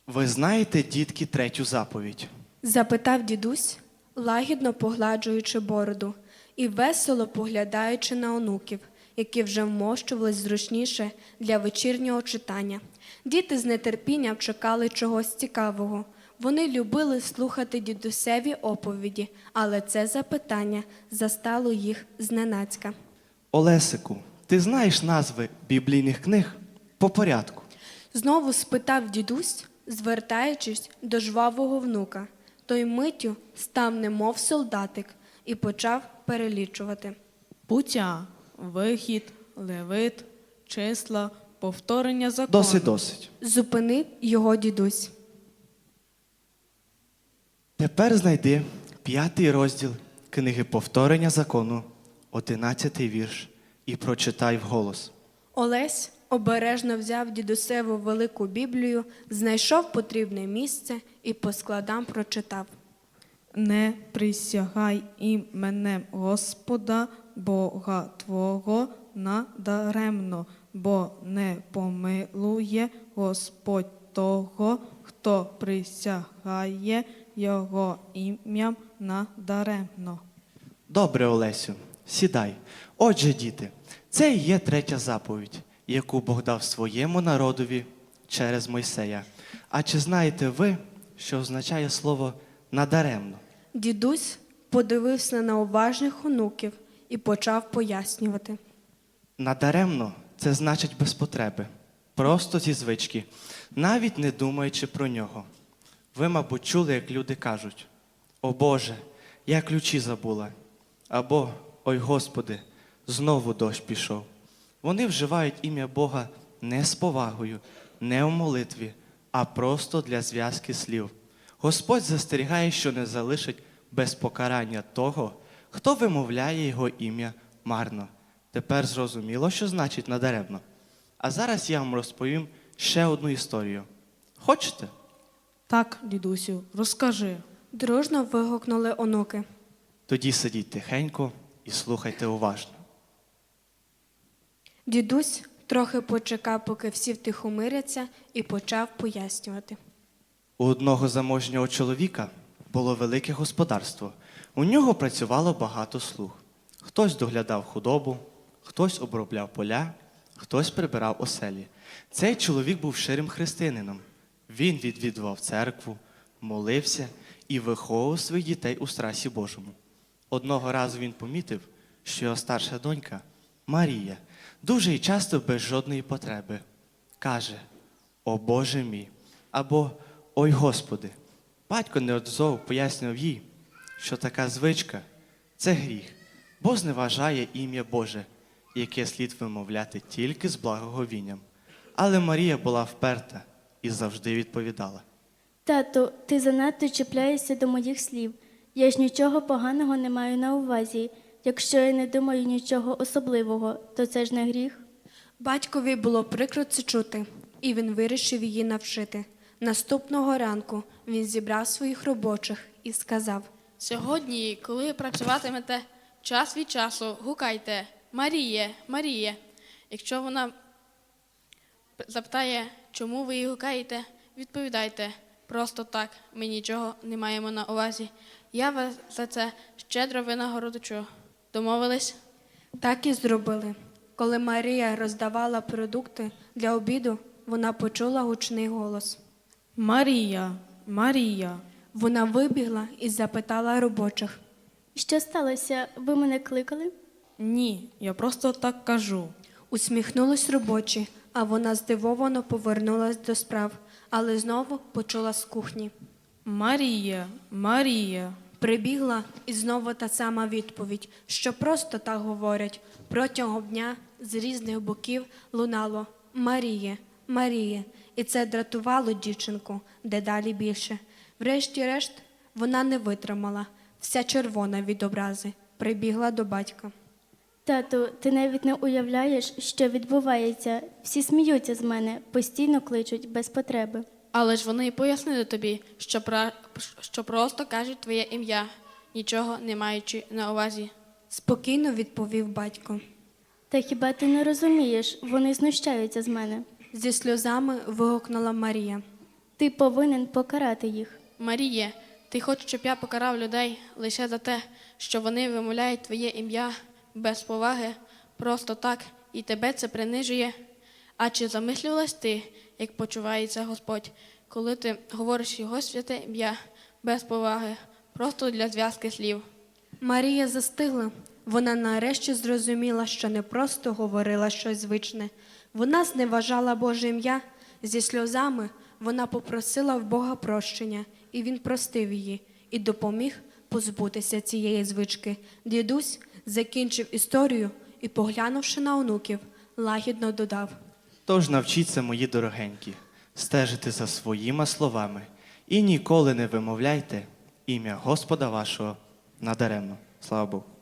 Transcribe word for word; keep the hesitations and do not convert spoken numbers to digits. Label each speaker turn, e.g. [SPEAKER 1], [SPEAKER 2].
[SPEAKER 1] Ви знаєте, дітки, третю заповідь?
[SPEAKER 2] Запитав дідусь, лагідно погладжуючи бороду і весело поглядаючи на онуків, які вже вмощувались зручніше для вечірнього читання. Діти з нетерпінням чекали чогось цікавого. Вони любили слухати дідусеві оповіді, але це запитання застало їх зненацька.
[SPEAKER 1] Олесику, ти знаєш назви біблійних книг по порядку?
[SPEAKER 2] Знову спитав дідусь, звертаючись до жвавого внука. Той миттю став немов солдатик і почав перелічувати.
[SPEAKER 3] Буття, вихід, левит, числа, повторення закону.
[SPEAKER 1] Досить, досить.
[SPEAKER 2] Зупинив його дідусь.
[SPEAKER 1] Тепер знайди п'ятий розділ книги повторення закону, одинадцятий вірш, і прочитай вголос.
[SPEAKER 2] Олесь обережно взяв дідусеву велику Біблію, знайшов потрібне місце і по складам прочитав.
[SPEAKER 3] Не присягай іменем Господа, Бога Твого, надаремно, бо не помилує Господь того, хто присягає Його ім'ям надаремно.
[SPEAKER 1] Добре, Олесю, сідай. Отже, діти, це і є третя заповідь, яку Бог дав своєму народові через Мойсея. А чи знаєте ви, що означає слово «надаремно»?
[SPEAKER 2] Дідусь подивився на уважних онуків і почав пояснювати.
[SPEAKER 1] Надаремно – це значить без потреби, просто зі звички, навіть не думаючи про нього. Ви, мабуть, чули, як люди кажуть: «О Боже, я ключі забула», або «Ой Господи, знову дощ пішов». Вони вживають ім'я Бога не з повагою, не у молитві, а просто для зв'язки слів. Господь застерігає, що не залишить без покарання того, хто вимовляє його ім'я марно. Тепер зрозуміло, що значить надаремно. А зараз я вам розповім ще одну історію. Хочете?
[SPEAKER 3] Так, дідусю, розкажи.
[SPEAKER 2] Дружно вигукнули онуки.
[SPEAKER 1] Тоді сидіть тихенько і слухайте уважно.
[SPEAKER 2] Дідусь трохи почекав, поки всі втихомиряться, і почав пояснювати.
[SPEAKER 1] У одного заможнього чоловіка було велике господарство. У нього працювало багато слуг. Хтось доглядав худобу, хтось обробляв поля, хтось прибирав оселі. Цей чоловік був щирим християнином. Він відвідував церкву, молився і виховував своїх дітей у страсі Божому. Одного разу він помітив, що його старша донька, Марія, дуже і часто без жодної потреби каже: «О Боже мій» або «Ой Господи». Батько неодзов пояснював їй, що така звичка – це гріх, бо зневажає ім'я Боже, яке слід вимовляти тільки з благоговінням. Але Марія була вперта і завжди відповідала:
[SPEAKER 4] Тату, ти занадто чіпляєшся до моїх слів. Я ж нічого поганого не маю на увазі. Якщо я не думаю нічого особливого, то це ж не гріх.
[SPEAKER 2] Батькові було прикро це чути, і він вирішив її навчити. Наступного ранку він зібрав своїх робочих і сказав:
[SPEAKER 5] Сьогодні, коли працюватимете, час від часу гукайте «Маріє, Маріє». Якщо вона запитає, чому ви її гукаєте, відповідайте: просто так, ми нічого не маємо на увазі. Я вас за це щедро винагородочу. Домовились?
[SPEAKER 2] Так і зробили. Коли Марія роздавала продукти для обіду, вона почула гучний голос.
[SPEAKER 3] Марія, Марія.
[SPEAKER 2] Вона вибігла і запитала робочих.
[SPEAKER 4] Що сталося? Ви мене кликали?
[SPEAKER 3] Ні, я просто так кажу.
[SPEAKER 2] Усміхнулись робочі, а вона здивовано повернулась до справ, але знову почула з кухні.
[SPEAKER 3] Марія, Марія.
[SPEAKER 2] Прибігла і знову та сама відповідь, що просто так говорять. Протягом дня з різних боків лунало «Маріє, Маріє». І це дратувало дівчинку дедалі більше. Врешті-решт вона не витримала, вся червона від образи, прибігла до батька.
[SPEAKER 4] Тату, ти навіть не уявляєш, що відбувається. Всі сміються з мене, постійно кличуть без потреби.
[SPEAKER 5] Але ж вони пояснили тобі, що, пра... що просто кажуть твоє ім'я, нічого не маючи на увазі.
[SPEAKER 2] Спокійно відповів батько.
[SPEAKER 4] Та хіба ти не розумієш? Вони знущаються з мене.
[SPEAKER 2] Зі сльозами вигукнула Марія.
[SPEAKER 4] Ти повинен покарати їх.
[SPEAKER 5] Маріє, ти хочеш, щоб я покарав людей лише за те, що вони вимовляють твоє ім'я без поваги, просто так, і тебе це принижує? А чи замислювалась ти, як почувається Господь, коли ти говориш його святе ім'я без поваги, просто для зв'язки слів?
[SPEAKER 2] Марія застигла. Вона нарешті зрозуміла, що не просто говорила щось звичне. Вона зневажала Боже ім'я. Зі сльозами вона попросила в Бога прощення, і Він простив її і допоміг позбутися цієї звички. Дідусь закінчив історію і, поглянувши на онуків, лагідно додав:
[SPEAKER 1] Тож навчіться, мої дорогенькі, стежити за своїми словами і ніколи не вимовляйте ім'я Господа вашого надаремно. Слава Богу.